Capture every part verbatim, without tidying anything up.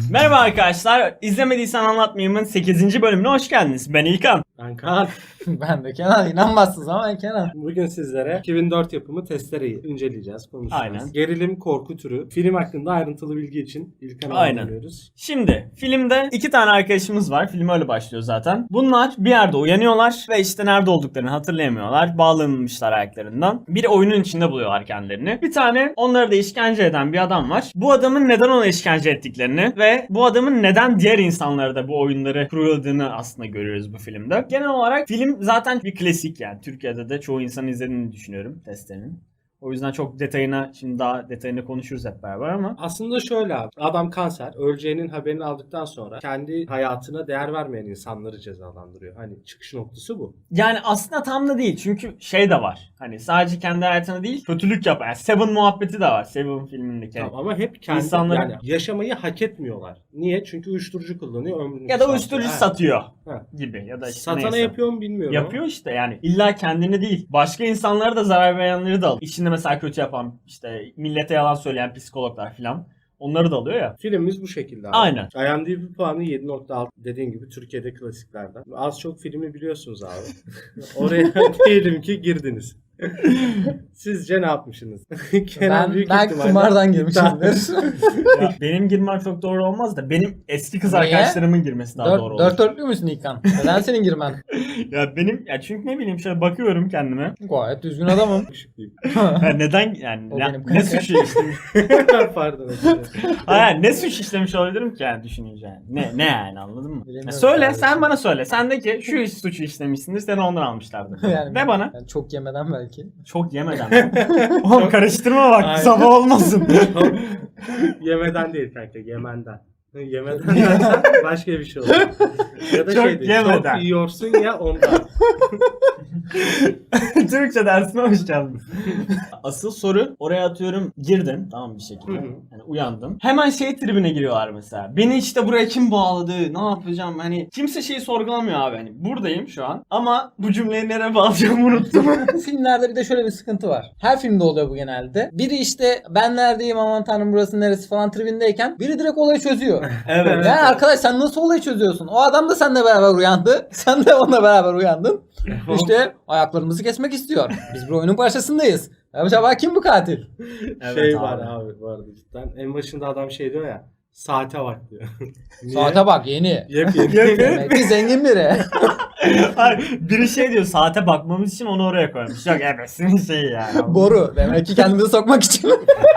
Merhaba arkadaşlar, izlemediysen anlatmayayım'ın sekizinci bölümüne hoş geldiniz. Ben İlkan. Ben Kaan. Ben de Kenan. İnanmazsınız ama ben Kenan. Bugün sizlere iki bin dört yapımı Testere'yi inceleyeceğiz, konuşacağız. Aynen. Gerilim, korku türü. Film hakkında ayrıntılı bilgi için İlkan'a Aynen. anlıyoruz. Şimdi filmde iki tane arkadaşımız var. Film öyle başlıyor zaten. Bunlar bir yerde uyanıyorlar ve işte nerede olduklarını hatırlayamıyorlar. Bağlanmışlar ayaklarından. Bir oyunun içinde buluyorlar kendilerini. Bir tane onları da işkence eden bir adam var. Bu adamın neden ona işkence ettiklerini ve bu adamın neden diğer insanlara da bu oyunları kuruladığını aslında görüyoruz bu filmde. Genel olarak film zaten bir klasik yani. Türkiye'de de çoğu insanın izlediğini düşünüyorum Testere'nin. O yüzden çok detayına, şimdi daha detayını konuşuruz hep beraber ama. Aslında şöyle abi. Adam kanser. Öleceğinin haberini aldıktan sonra kendi hayatına değer vermeyen insanları cezalandırıyor. Hani çıkış noktası bu. Yani aslında tam da değil. Çünkü şey de var. Hani sadece kendi hayatına değil, kötülük yapan. Yani Seven muhabbeti de var. Seven filmindeki. Tamam, ama hep kendi İnsanların- yani yaşamayı hak etmiyorlar. Niye? Çünkü uyuşturucu kullanıyor, ömrünü Ya da uyuşturucu satıyor Ha. gibi. Ya da işte Satana neyse. yapıyor mu bilmiyorum. Yapıyor işte yani. İlla kendini değil. Başka insanlara da zarar verenleri de alıyor. İçinde mesela kötü yapan, işte millete yalan söyleyen psikologlar falan. Onları da alıyor ya. Filmimiz bu şekilde abi. Aynen. I M D B puanı yedi nokta altı, dediğin gibi Türkiye'de klasiklerden. Az çok filmi biliyorsunuz abi. Oraya diyelim ki girdiniz. Sizce ne yapmışsınız? Ben, büyük belki ihtimalle- kumardan girmişimdir. Ya benim girmem çok doğru olmaz da benim eski kız Niye? arkadaşlarımın girmesi daha doğru Dört, olur. dört dörtlü müsün İlkan? Neden senin girmen? Ya benim ya çünkü ne bileyim şöyle bakıyorum kendime. Gayet düzgün adamım. Ya neden yani O ne, benim ne kanka. suç işlemiş? Pardon. özür Hayır ne suç işlemiş olabilirim ki yani düşününce yani. Ne ne yani anladın mı? Bilemiyorum Ya söyle kardeşim. sen bana söyle. Sen de ki şu suçu işlemişsindir seni ondan almışlardır. Yani Ve bana yani çok yemeden belki. çok yemeden. Oğlum karıştırma bak Aynen. sabah olmasın. Yemeden değil kanka, Yemen'den. Yemeden dersen başka bir şey olur. Ya da Çok şey değil, yemeden. çok yiyorsun ya ondan. Türkçe dersine hoş geldin. Asıl soru oraya atıyorum girdim tamam bir şekilde. Hı hı. Yani uyandım. Hemen şey tribine giriyorlar mesela. Beni işte buraya kim bağladı? Ne yapacağım? Hani kimse şeyi sorgulamıyor abi. Hani buradayım şu an ama bu cümleyi nereye bağlayacağımı unuttum. Bu filmlerde bir de şöyle bir sıkıntı var. Her filmde oluyor bu genelde. Biri işte ben neredeyim aman tanrım burası neresi falan tribindeyken biri direkt olayı çözüyor. Evet. Yani arkadaş sen nasıl olayı çözüyorsun? O adam da seninle beraber uyandı. Sen de onunla beraber uyandın. İşte ayaklarımızı kesmek istiyor. Biz bir oyunun parçasındayız. Acaba kim bu katil? Evet şey abi. var abi bu arada cidden. En başında adam şey diyor ya. Saate bak diyor. Niye? Saate bak yeni. Yepyeni. Demek ki zengin biri. Hayır, biri şey diyor saate bakmamız için onu oraya koymuş. Yok ebesinin şeyi yani. Boru. Demek ki kendimizi sokmak için.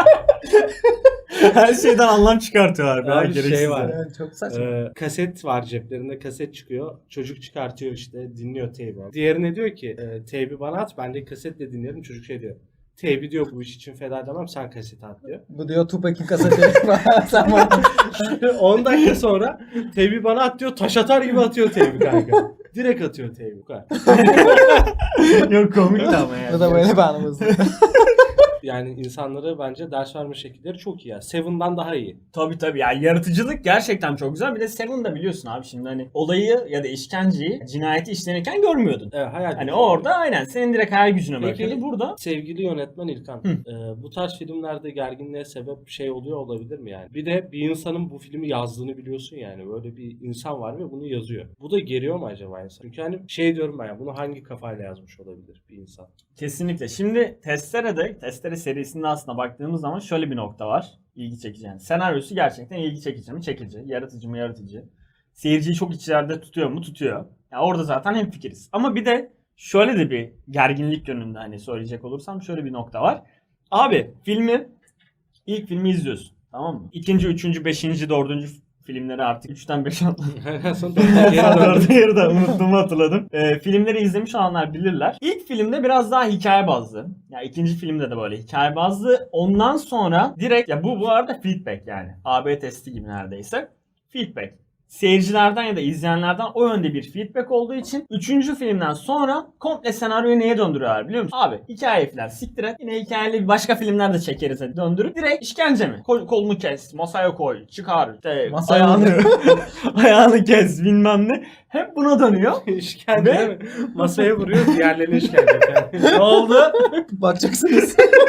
Her şeyden anlam çıkartıyorlar. Abi Abi, şey var. Evet, çok saçma. Ee, kaset var ceplerinde, kaset çıkıyor. Çocuk çıkartıyor işte, dinliyor teybi. Diğerine diyor ki e, teybi bana at, ben de kasetle dinlerim. Çocuk şey diyor. Teybi diyor bu iş için feda edemem, sen kaseti at diyor. Bu diyor Tupac'in kaseti. Sen bana... on dakika sonra teybi bana at diyor, taş atar gibi atıyor teybi kanka. Direkt atıyor teybi. bu kadar. Yok komik de ama yani. Bu da böyle bir anımız. Yani insanlara bence ders verme şekilleri çok iyi ya. Seven'dan daha iyi. Tabii tabii yani yaratıcılık gerçekten çok güzel. Bir de Seven'da biliyorsun abi şimdi hani olayı ya da işkenceyi, cinayeti işlenirken görmüyordun. Evet, hayal Hani gücü. orada aynen senin direkt hayal gücüne Peki- bırakıyordu. Burada Sevgili yönetmen İlkan, e, bu tarz filmlerde gerginliğe sebep şey oluyor olabilir mi yani? Bir de bir insanın bu filmi yazdığını biliyorsun yani. Böyle bir insan var ve bunu yazıyor. Bu da geriyor mu acaba insan? Çünkü hani şey diyorum ben ya, bunu hangi kafayla yazmış olabilir bir insan? kesinlikle. Şimdi Testere'de, Testere serisinde aslında baktığımız zaman şöyle bir nokta var. İlgi çekici yani. Senaryosu gerçekten ilgi çekici mi? Çekici. Yaratıcı mı? Yaratıcı. Seyirciyi çok içeride tutuyor mu? Tutuyor. Yani orada zaten hemfikiriz. Ama bir de şöyle de bir gerginlik yönünde hani söyleyecek olursam şöyle bir nokta var. Abi filmi ilk filmi izliyorsun. Tamam mı? İkinci, üçüncü, beşinci, dördüncü filmleri artık üçten beşe atladım. Sonra geri döndüm. Orada yerde unuttuğumu hatırladım. Ee, filmleri izlemiş olanlar bilirler. İlk filmde biraz daha hikaye bazlı. Ya ikinci filmde de böyle hikaye bazlı. Ondan sonra direkt ya bu bu arada feedback yani. A B testi gibi neredeyse. Feedback. Seyircilerden ya da izleyenlerden o yönde bir feedback olduğu için üçüncü filmden sonra komple senaryoyu neye döndürüyorlar biliyor musun? Abi hikaye falan siktir et. Yine hikayeli başka filmler de çekeriz hadi döndürüp. Direkt işkence mi? Kol, kolunu kes, masaya koy, çıkar. İşte Masaya ayağını, ayağını kes bilmem ne. Hep buna dönüyor. İşkence Ve- değil mi? Masaya vuruyor, diğerlerine işkence. Yani. Ne oldu? Bakacaksınız.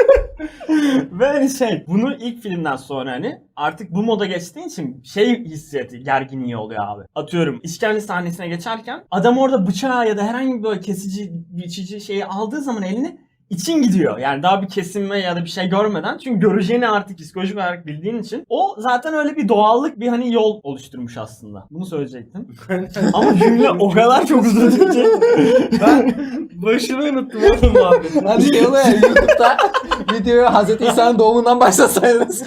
Ve hani şey, bunu ilk filmden sonra hani artık bu moda geçtiğin için şey hissiyatı, gerginliği oluyor abi. Atıyorum işkence sahnesine geçerken adam orada bıçağı ya da herhangi bir böyle kesici, biçici şeyi aldığı zaman elini için gidiyor. Yani daha bir kesinme ya da bir şey görmeden. Çünkü göreceğini artık psikolojik olarak bildiğin için. O zaten öyle bir doğallık, bir hani yol oluşturmuş aslında. Bunu söyleyecektim. Ama cümle o kadar çok uzadı ki. Ben başını unuttum oğlum muhabbetin. Hadi şey oluyor ya YouTube'da videoyu Hazreti İsa'nın doğumundan başlasaydınız.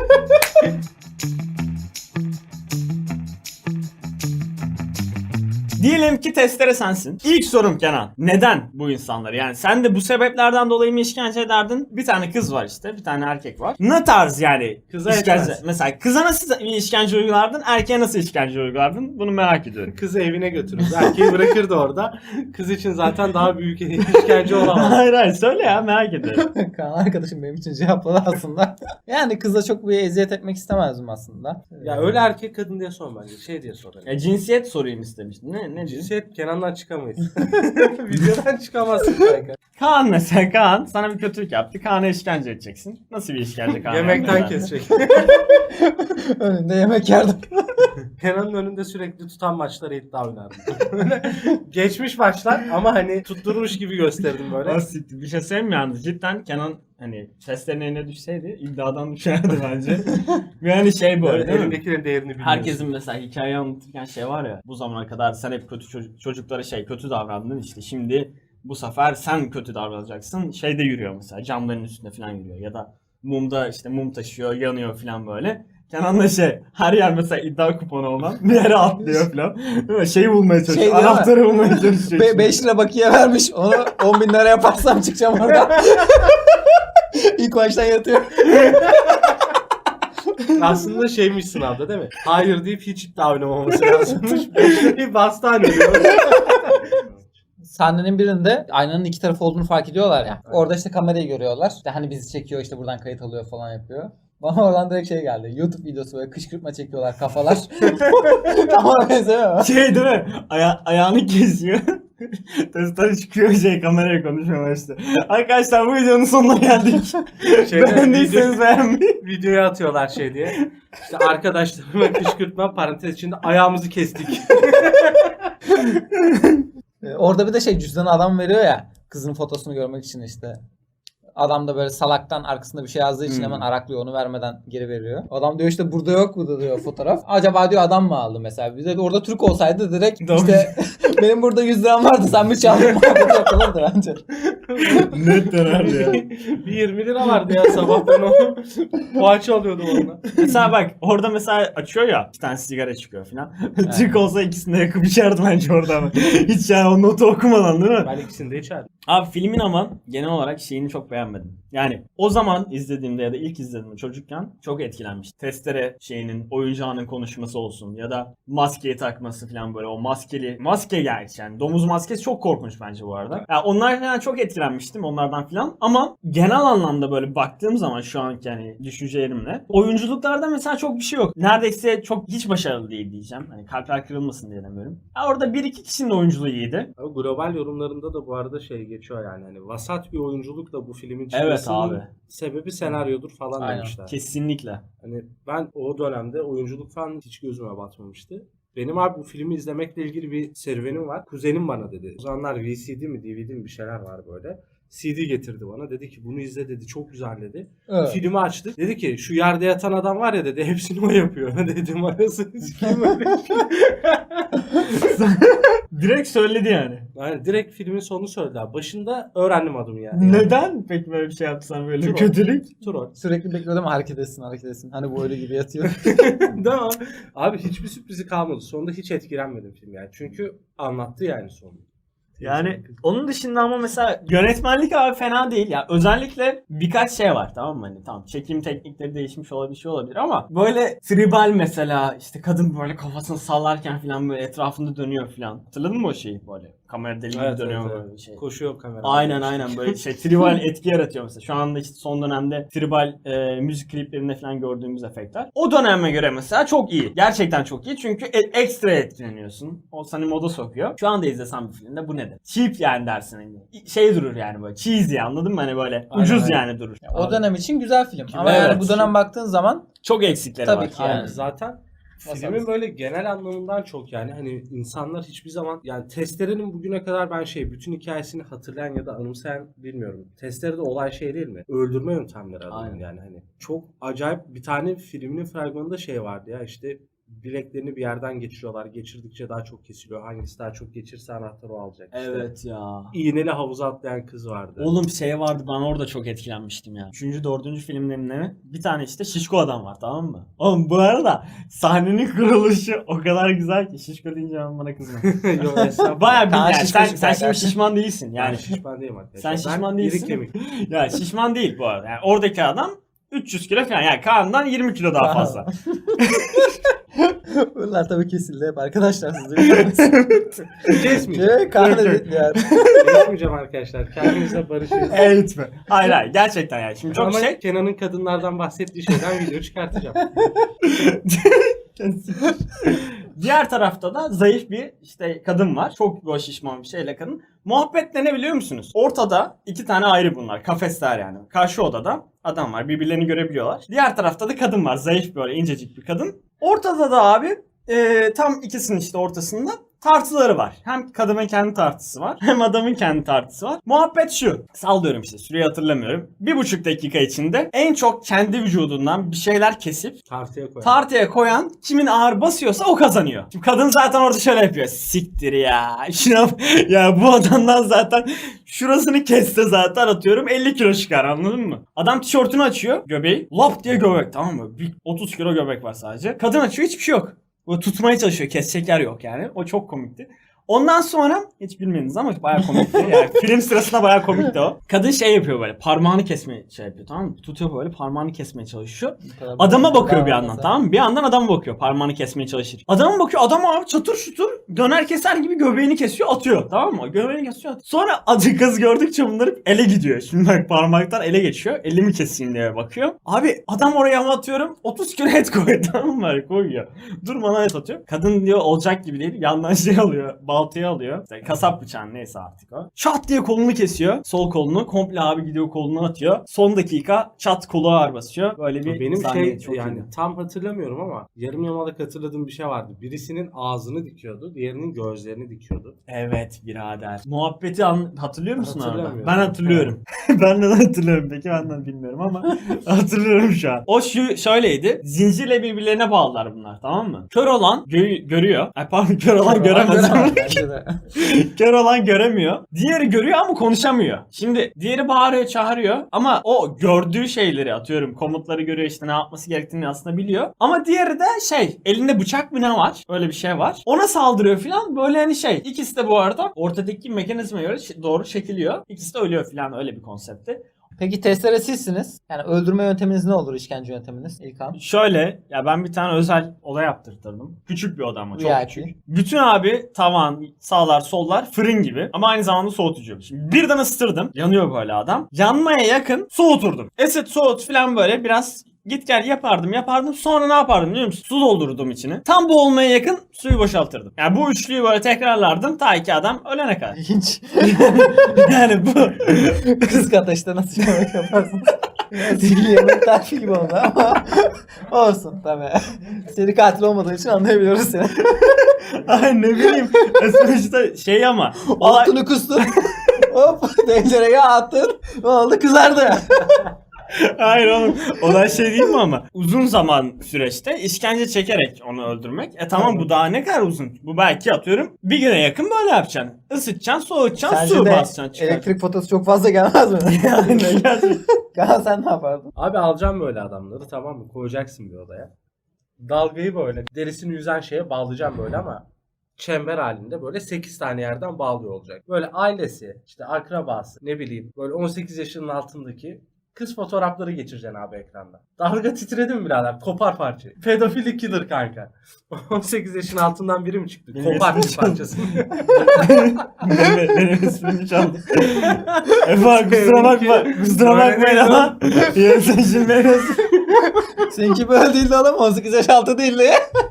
Diyelim ki testere sensin. İlk sorum Kenan. Neden bu insanlar? Yani sen de bu sebeplerden dolayı mı işkence ederdin? Bir tane kız var işte. Bir tane erkek var. Ne tarz yani Kıza işkence? etmez. Mesela kıza nasıl bir işkence uygulardın? Erkeğe nasıl işkence uygulardın? Bunu merak ediyorum. Kızı evine götürürüz. Erkeği bırakırdı orada. Kız için zaten daha büyük işkence olamaz. hayır hayır söyle ya, merak ediyorum. Kaan arkadaşım benim için cevapladı aslında. Yani kıza çok bir eziyet etmek istemezdim aslında. Ya öyle erkek kadın diye sor bence. Şey diye sor. E, cinsiyet sorayım istemiştin. Ne, ne diyorsun? Cinsiyet Kenan'dan çıkamayız. Videodan çıkamazsın kanka. Kaan mesela, Kaan sana bir kötülük yaptı. Kaan'a işkence edeceksin. Nasıl bir işkence Kaan'a? Yemekten yaptın? kesecek. Önünde yemek yerdim. Kenan'ın önünde sürekli tutan maçlara iddia oynardım. Böyle geçmiş maçlar ama hani tutturmuş gibi gösterdim böyle. Basit. Bir şey söyleyeyim mi yalnız? Cidden Kenan hani seslerin eline düşseydi iddiadan düşerdi bence. Yani şey böyle Böyle değil mi? elindekilerin değerini bilmiyorsun. Herkesin mesela hikaye anlatırken şey var ya, bu zamana kadar sen hep kötü çocuk, çocuklara şey kötü davrandın, işte şimdi bu sefer sen kötü davranacaksın. Şeyde yürüyor mesela, camların üstünde falan yürüyor ya da mumda işte mum taşıyor, yanıyor falan böyle. Kenan da şey, her yer mesela iddia kuponu olan bir yere atlıyor falan. Değil mi? Şeyi bulmaya çalışıyor, Şey değil mi? anahtarı bulmaya çalışıyor. Be- beş lira bakiye vermiş. Onu on bin lira yaparsam çıkacağım oradan. İlk baştan yatıyor. Aslında şeymiş sınavda değil mi? Hayır deyip hiç iddia oynamaması lazımmış. Bir bastane diyor. Sahnenin birinde aynanın iki tarafı olduğunu fark ediyorlar ya. Orada işte kamerayı görüyorlar. İşte hani bizi çekiyor, işte buradan kayıt alıyor falan yapıyor. Bana oradan direkt şey geldi. YouTube videosu böyle kışkırtma çekiyorlar kafalar. Ama benzemiyor mu? Şey değil mi? Aya- ayağını kesiyor. Testere çıkıyor şey, kameraya konuşuyor işte. Arkadaşlar bu videonun sonuna geldik. Şeyde Beğendiyseniz video- beğenmeyi. Videoya atıyorlar şey diye. İşte arkadaşlarıma kışkırtma parantez içinde ayağımızı kestik. Ee, Orada bir de şey cüzdanı adam veriyor ya. Kızın fotosunu görmek için işte. Adam da böyle salaktan arkasında bir şey yazdığı için Hmm. hemen araklıyor, onu vermeden geri veriyor. Adam diyor işte burada yok bu da diyor fotoğraf. Acaba diyor adam mı aldı mesela? Bize de orada Türk olsaydı direkt Doğru. işte benim burada yüz liram vardı sen mi çaldın muhabbeti yapılırdı bence. Net döner ya. Bir yirmi lira vardı ya sabah ben onu poğaça alıyordum onunla. Mesela bak orada mesela açıyor ya, bir tane sigara çıkıyor falan. Türk olsa ikisini de yakıp içerdi bence orada ama. Hiç yani o notu okumadan değil mi? Ben ikisini de içerdim. Abi filmin ama genel olarak şeyini çok beğenmedim. Yani o zaman izlediğimde ya da ilk izlediğimde çocukken çok etkilenmiştim. Testere şeyinin, oyuncağının konuşması olsun ya da maskeyi takması falan, böyle o maskeli, maske gerçi yani domuz maskesi çok korkunç bence bu arada. Yani onlar falan çok etkilenmiştim onlardan falan ama genel anlamda böyle baktığım zaman şu anki yani düşüncelerimle oyunculuklarda mesela çok bir şey yok. Neredeyse çok hiç başarılı değil diyeceğim. Hani kalpler kırılmasın diye demiyorum. Ya orada bir iki kişinin oyunculuğu iyiydi. Ama global yorumlarında da bu arada şey geçiyor yani hani vasat bir oyunculukla bu filmin Evet çıkmasının abi. sebebi senaryodur falan Aynen. demişler. Kesinlikle. Hani ben o dönemde oyunculuk falan hiç gözüme batmamıştı. Benim abi bu filmi izlemekle ilgili bir serüvenim var. Kuzenim bana dedi. O zamanlar V C D mi D V D mi bir şeyler var böyle. C D getirdi bana. Dedi ki bunu izle dedi. Çok güzel dedi. Evet. Filmi açtık. Dedi ki şu yerde yatan adam var ya dedi. Hepsini o yapıyor. Dedim arasını sikeyim öyle bir şey. Direkt söyledi yani. Yani direkt filmin sonunu söyledi abi. Başında öğrendim adımı yani. Neden peki böyle bir şey yapsan, böyle bir Troll. kötülük? Troll. Sürekli bekliyordum hareket etsin hareket etsin. Hani bu öyle gibi yatıyor. Değil mi? Abi hiçbir sürprizi kalmadı. Sonunda hiç etkilenmedim film yani. Çünkü anlattı yani sonunu. Yani onun dışında ama mesela yönetmenlik abi fena değil ya. Özellikle birkaç şey var, tamam mı? Hani tamam çekim teknikleri değişmiş olabilir, şey olabilir ama böyle tribal mesela, işte kadın böyle kafasını sallarken falan böyle etrafında dönüyor falan. Hatırladın mı o şeyi böyle? Kamera deli gibi Evet, dönüyor evet, böyle evet. bir şey. Koşuyor kamera. Aynen aynen böyle şey tribal etki yaratıyor mesela. Şu anda işte son dönemde tribal e, müzik kliplerinde falan gördüğümüz efektler. O döneme göre mesela çok iyi. Gerçekten çok iyi çünkü e- ekstra etkileniyorsun. O seni moda sokuyor. Şu anda izlesem bir filmde bu nedir? Cheap yani dersin. Hani. Şey durur yani böyle cheesy anladın mı? Hani böyle Aynen, ucuz aynen. yani durur. O Abi. dönem için güzel film. Ama Evet. yani bu dönem baktığın zaman Çok eksikleri Tabii var. ki Aynen. yani. Zaten Nasıl filmin böyle genel anlamından çok yani hani insanlar hiçbir zaman yani Testere'nin bugüne kadar ben şey bütün hikayesini hatırlayan ya da anımsayan bilmiyorum. Testere'de olay şey değil mi? Öldürme yöntemleri adamın Aynen. yani hani. Çok acayip bir tane filminin fragmanında şey vardı ya işte bileklerini bir yerden geçiriyorlar. Geçirdikçe daha çok kesiliyor. Hangisi daha çok geçirse anahtarı o alacak. İşte Evet ya. İğneli havuza atlayan kız vardı. Oğlum şey vardı ben orada çok etkilenmiştim ya. Üçüncü, dördüncü filmlerinde bir tane işte şişko adam var tamam mı? Oğlum bu arada sahnenin kuruluşu o kadar güzel ki şişko deyince ben bana kızma. Yok estağfurullah. Baya bir Kaan yani şişko sen, çıktı sen şimdi arkadaşlar. şişman değilsin Yani yani. şişman değilim arkadaşlar. Sen şişman ben değilsin. iri kemik. Ya şişman değil bu arada. Yani oradaki adam üç yüz kilo falan yani Kaan'dan yirmi kilo daha fazla. bunlar tabii kesildi hep arkadaşlar siz de biliyorsunuz. Kesmeyeceğim. Şey, Kaan Yok, yok. dedi yani. Kesmeyeceğim arkadaşlar. Kendimize barışırız. Evet mi? Hayır hayır gerçekten yani. Şimdi çok Ama şey Kenan'ın kadınlardan bahsettiği şeyden video çıkartacağım. Diğer tarafta da zayıf bir işte kadın var. Çok böyle şişman bir şeyle kadın. Muhabbet ne biliyor musunuz? Ortada iki tane ayrı bunlar. Kafesler yani. Karşı odada adam var. Birbirlerini görebiliyorlar. Diğer tarafta da kadın var. Zayıf böyle incecik bir kadın. Ortada da abi e, tam ikisinin işte ortasında tartıları var. Hem kadının kendi tartısı var hem adamın kendi tartısı var. Muhabbet şu. Sallıyorum işte süreyi hatırlamıyorum. Bir buçuk dakika içinde en çok kendi vücudundan bir şeyler kesip Tartıya koy. tartıya koyan kimin ağır basıyorsa o kazanıyor. Şimdi kadın zaten orada şöyle yapıyor. Siktir ya. Şuna, ya bu adamdan zaten şurasını kesse zaten atıyorum elli kilo çıkar anladın mı? Adam tişörtünü açıyor göbeği. Lap diye göbek tamam mı? Bir otuz kilo göbek var sadece. Kadın açıyor hiçbir şey yok. Böyle tutmaya çalışıyor. Kesecek yer yok yani. O çok komikti. Ondan sonra hiç bilmediniz ama bayağı komikti. Yani film sırasında bayağı komikti o. Kadın şey yapıyor böyle parmağını kesmeye şey yapıyor tamam mı? Tutuyor böyle parmağını kesmeye çalışıyor. Adama bakıyor bir yandan tamam mı? Bir yandan adama bakıyor parmağını kesmeye çalışır. Adama bakıyor adam abi çatır şutur döner keser gibi göbeğini kesiyor atıyor tamam mı? Göbeğini kesiyor atıyor. Sonra acı kız gördükçe bunları ele gidiyor. Şimdi bak parmaktan ele geçiyor. Elimi keseyim diye bakıyor. Abi adam oraya ama atıyorum otuz kilo et koyuyor tamam mı? Koyuyor. Durmadan et atıyor. Kadın diyor olacak gibi değil. Yandan şey alıyor. Baltayı alıyor. İşte kasap bıçağı neyse artık o. Çat diye kolunu kesiyor. Sol kolunu. Komple abi gidiyor kolunu atıyor. Son dakika çat kolu ağır basıyor. Böyle bir Benim sahne şey çok yani iyiydi. tam hatırlamıyorum ama yarım yamalak hatırladığım bir şey vardı. Birisinin ağzını dikiyordu, diğerinin gözlerini dikiyordu. Evet birader. Muhabbeti an- hatırlıyor musun orada? Hatırlamıyorum. Ben hatırlıyorum. ben de hatırlıyorum. Peki ben de bilmiyorum ama hatırlıyorum şu an. O şu şöyleydi. Zincirle birbirlerine bağlılar bunlar tamam mı? Kör olan gö- görüyor. Ay pardon kör olan göremez. Bence de. Kör olan göremiyor. Diğeri görüyor ama konuşamıyor. Şimdi diğeri bağırıyor çağırıyor ama o gördüğü şeyleri atıyorum komutları görüyor işte ne yapması gerektiğini aslında biliyor. Ama diğeri de şey elinde bıçak mı ne var? Öyle bir şey var. Ona saldırıyor falan böyle hani şey. İkisi de bu arada ortadaki mekanizmaya göre ş- doğru çekiliyor. İkisi de ölüyor falan öyle bir konsepti. Peki testere sizsiniz. Yani öldürme yönteminiz ne olur işkence yönteminiz İlkan? Şöyle ya ben bir tane özel oda yaptırtırdım. Küçük bir oda ama çok V I P. küçük. Bütün abi tavan, sağlar, sollar fırın gibi ama aynı zamanda soğutucu. Şimdi birden ısıtırdım. Yanıyor böyle adam. Yanmaya yakın soğuturdum. Esit soğut falan böyle biraz git gel yapardım yapardım. Sonra ne yapardım biliyor musun? Su doldururdum içine. Tam boğulmaya yakın suyu boşaltırdım. Yani bu üçlüyü böyle tekrarlardım ta ki adam ölene kadar. İlginç. Yani bu Kısık ateşte nasıl yemek yaparsınız? Sihirli yemek tarifi gibi oldu ama olsun tabii. Seri katil olmadığı için anlayabiliyoruz seni. ay ne bileyim. Sonuçta şey ama olay... Altını kustun. Hop tencereye attın. Ne oldu kızardı. Hayır oğlum. Olay şey değil mi ama? Uzun zaman süreçte işkence çekerek onu öldürmek. E tamam bu daha ne kadar uzun? Bu belki atıyorum bir güne yakın böyle yapacaksın. Isıtacaksın, soğutacaksın, Sence su de basacaksın. çıkaracaksın. elektrik fotosu çok fazla gelmez mi? Yani gerçekten. Kaan sen ne yapardın? Abi alacağım böyle adamları tamam mı? Koyacaksın bir odaya. Dalgayı böyle derisini yüzen şeye bağlayacağım böyle ama çember halinde böyle sekiz tane yerden bağlıyor olacak. Böyle ailesi, işte akrabası, ne bileyim böyle on sekiz yaşının altındaki Kız fotoğrafları geçireceksin abi ekranda. Dalga titredi mi birader? Kopar parçayı. Pedofil ikidir kanka. on sekiz yaşın altından biri mi çıktı? Benim Kopar ismim bir parçasını. benim, benim ismimi çaldı. Efe kusura bakma. Kusura bakmayın ama. Yarın sen şimdi beni Seninki böyle değildi oğlum. on sekiz yaş altı değildi.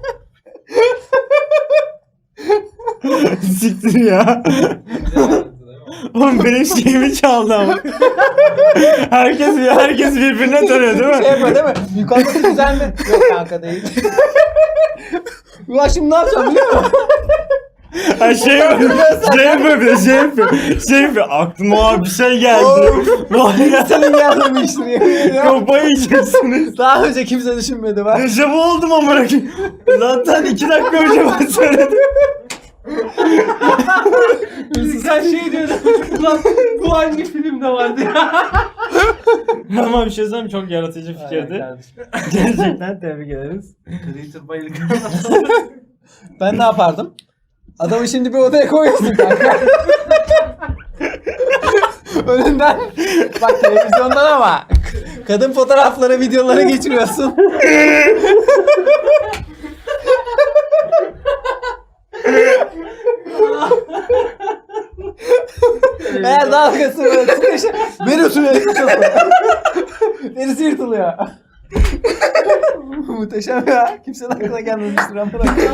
siktir ya. Oğlum benim şeyimi çaldı ama. herkes herkes birbirine tanıyor değil mi? Şey yapıyor değil mi? Yukarıdaki güzel mi? Yok kanka değil. Ulan şimdi ne yapacağım biliyor musun? Ha şey yapıyor, şey yapıyor bir de şey yapıyor. Şey yapıyor, aklıma abi bir şey geldi. Var ya, Senin gelmemiştir yemin ediyorum. kafayı yiyeceksiniz. Daha önce kimse düşünmedi bak. Dejavu oldum ama bırakayım. Zaten iki dakika önce ben söyledim. Sen şey diyordun. Ulan bu hangi filmde vardı ya? Ama bir şey söyleyeyim mi? Çok yaratıcı fikirdi. Gerçekten tebrik ederiz. Creator bayılık. Ben ne yapardım? Adamı şimdi bir odaya koyuyorsun kanka. Önünden bak televizyondan ama kadın fotoğrafları, videoları geçiriyorsun. Eğer dalgası böyle sıkışır, veriyorsun elini yırtılıyor. Derisi yırtılıyor. Muhteşem ya. Kimsenin aklına gelmemiştir ama.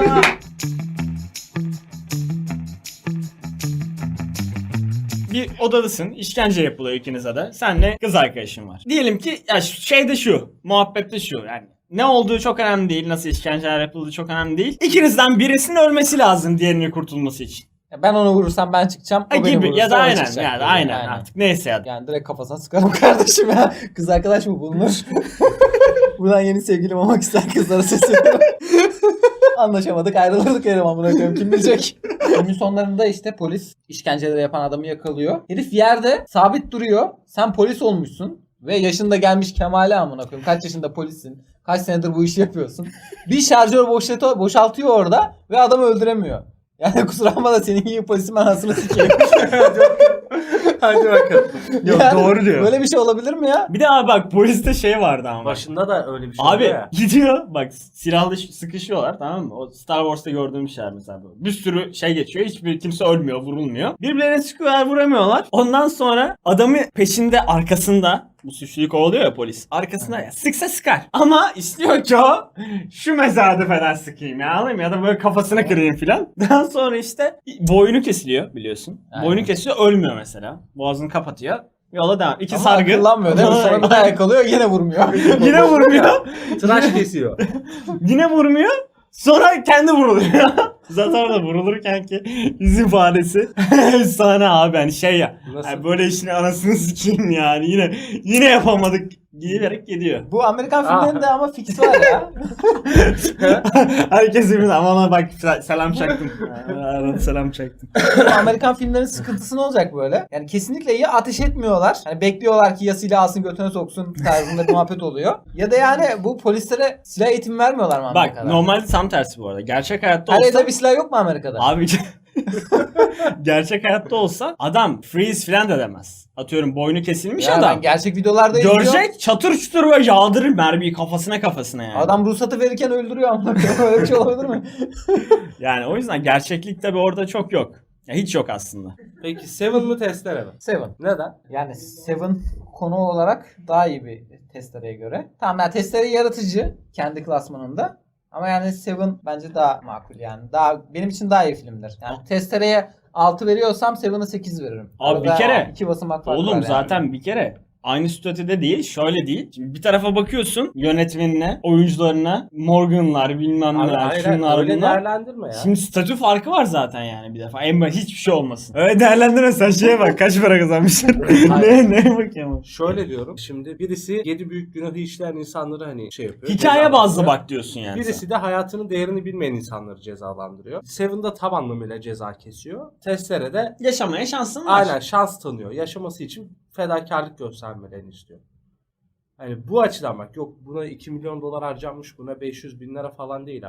Bir odadasın, işkence yapılıyor ikinize de. Senle kız arkadaşın var. Diyelim ki ya şu- şey de şu, muhabbette şu yani. Ne olduğu çok önemli değil, nasıl işkenceler yapıldığı çok önemli değil. İkinizden birisinin ölmesi lazım diğerinin kurtulması için. Ben onu vurursam ben çıkacağım. O Ha, beni gibi vurursa ya da o aynen çıkacak yani gibi. aynen, artık neyse ya. Yani direkt kafasına sıkarım kardeşim ya. Kız arkadaş mı bulunur? Buradan yeni sevgilim olmak isteyen kızlara sesleniyorum. Anlaşamadık, ayrılırdık yerim amına koyayım, kim bilecek. Filmin sonlarında işte polis işkenceleri yapan adamı yakalıyor. Herif yerde sabit duruyor. Sen polis olmuşsun ve yaşında gelmiş Kemal'e amına koyayım. Kaç yaşında polissin? Kaç senedir bu işi yapıyorsun? Bir şarjör boşaltıyor, boşaltıyor orada ve adamı öldüremiyor. Yani kusura bakma da senin gibi polisin ben anasını sikeyim. Hadi bakalım. Yok, doğru diyor. Böyle bir şey olabilir mi ya? Bir de abi bak poliste şey vardı ama. Başında da öyle bir şey Abi oluyor ya. gidiyor bak silahlı ş- sıkışıyorlar tamam mı? O Star Wars'ta gördüğüm şeyler mesela böyle. Bir sürü şey geçiyor. Hiçbir kimse ölmüyor, vurulmuyor. Birbirlerine sıkıyorlar, vuramıyorlar. Ondan sonra adamı peşinde, arkasında bu suçluyu kovalıyor ya polis. Arkasında ya sıksa sıkar. Ama istiyor ki o şu mezadefeden sıkayım ya alayım ya da böyle kafasına kırayım filan. Daha sonra işte boynu kesiliyor biliyorsun. Aynen. Boynu kesiliyor, ölmüyor mesela. Boğazını kapatıyor. Yola devam. İki Ama sargı. akıllanmıyor değil mi? Sonra bir daha yakalıyor yine vurmuyor. Yine vurmuyor. Tıraş kesiyor. Yine vurmuyor. Sonra kendi vuruluyor. Zaten orada vurulurken ki yüz ifadesi efsane abi hani şey ya. Nasıl? Yani böyle işin anasını sikeyim yani yine yine yapamadık diyerek gidiyor. Bu Amerikan Aa. filmlerinde ama fix var ya. Herkes birbirine ama ona bak selam çaktım. Arada selam çaktım. Bu Amerikan filmlerin sıkıntısı ne olacak böyle? Yani kesinlikle ya ateş etmiyorlar. Hani bekliyorlar ki ya silah alsın götüne soksun tarzında bir muhabbet oluyor. Ya da yani bu polislere silah eğitimi vermiyorlar mı Bak Amerika'da? normalde tam tersi bu arada. Gerçek hayatta Her olsa evde bir silah yok mu Amerika'da? abi gerçek hayatta olsa adam freeze falan da demez. Atıyorum boynu kesilmiş ya adam. ben gerçek videolarda izliyorum. Görecek çatır çutur ve yağdırır mermiyi kafasına kafasına yani. Adam ruhsatı verirken öldürüyor ama öyle bir şey olabilir mi? Yani o yüzden gerçeklik tabi orada çok yok. Ya hiç yok aslında. Peki Seven mı Testere mi? Seven. Neden? Yani Seven konu olarak daha iyi bir testereye göre. Tamam yani testere yaratıcı kendi klasmanında. Ama yani Seven bence daha makul yani. Daha benim için daha iyi filmdir. Yani testereye altı veriyorsam Seven'a sekiz veririm. Abi bir Arada kere- iki basamak fark var Oğlum yani. zaten bir kere aynı statüde değil, şöyle değil. Şimdi bir tarafa bakıyorsun yönetmenine, oyuncularına, Morgan'lar bilmem Abi neler, hayır, şunlar öyle bunlar. değerlendirme ya. Şimdi statü farkı var zaten yani bir defa. En basit hiçbir şey olmasın. Öyle değerlendirme sen şeye bak kaç para kazanmışsın. ne ne bakayım. Şöyle diyorum. Şimdi birisi yedi büyük günahı işleyen insanları hani şey yapıyor. Hikaye bazlı cezalandırıyor. bak diyorsun yani. Birisi sen. de hayatının değerini bilmeyen insanları cezalandırıyor. Seven'da tam anlamıyla ceza kesiyor. Testere'de Yaşamaya şansın var. aynen şans tanıyor. Yaşaması için fedakarlık göstermelerini istiyor. Hani bu açıdan bak yok buna iki milyon dolar harcanmış buna beş yüz bin lira falan değil abi.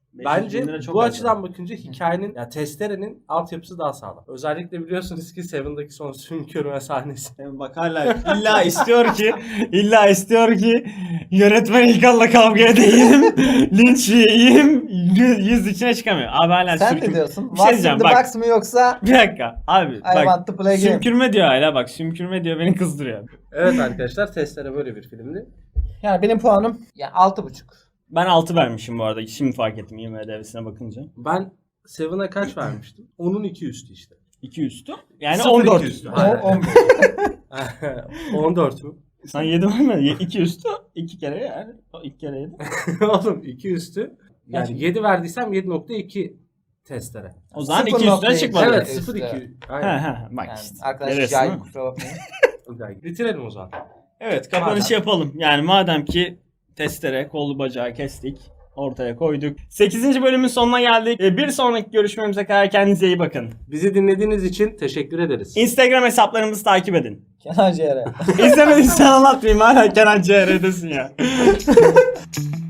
Bence bin lira çok bu az açıdan bakınca hikayenin, ya testerenin altyapısı daha sağlam. Özellikle biliyorsunuz ki Seven'daki son sümkürme sahnesi. yani. Bak hala illa istiyor ki illa istiyor ki yönetmen İlkan'la kavga edeyim. Linç yiyeyim. Yüz içine çıkamıyor. Abi hala Sen sümkür- ne diyorsun? Bir şey What's in diyeceğim the bak. box mı yoksa Bir dakika abi I bak. want to play game? Sümkürme diyor hala bak. Sümkürme diyor beni kızdırıyor. Evet arkadaşlar, testere böyle bir filmdi. Yani benim puanım ya altı buçuk. Ben altı vermişim bu arada. Şimdi fark ettim IMDb'sine bakınca. Ben Seven'a kaç vermiştim? Onun iki üstü işte. iki üstü. Yani Sıfır on dört iki üstü. üstü. O- Aynen. on- on dört mü? Sen yedi vermedin. iki üstü. iki kere yani. O iki kere yedi. Oğlum iki üstü. Yani Kaç? yedi verdiysem yedi nokta iki testere. O zaman Sıfır iki nokta üstüne iki. çıkmadı. Evet üstü. sıfır iki. He Aynen. he bak Yani işte. arkadaşlar Görüyorsun cahil değil mi? kusura bakmayın. Bitirelim o zaman. Evet kapanışı Madem. yapalım. Yani madem ki testere, kolu bacağı kestik. Ortaya koyduk. sekizinci bölümün sonuna geldik. Ee, Bir sonraki görüşmemize kadar kendinize iyi bakın. Bizi dinlediğiniz için teşekkür ederiz. Instagram hesaplarımızı takip edin. Kenan Ciğer'e. İzlemediysen anlatmayayım hala Kenan C R'desin ya.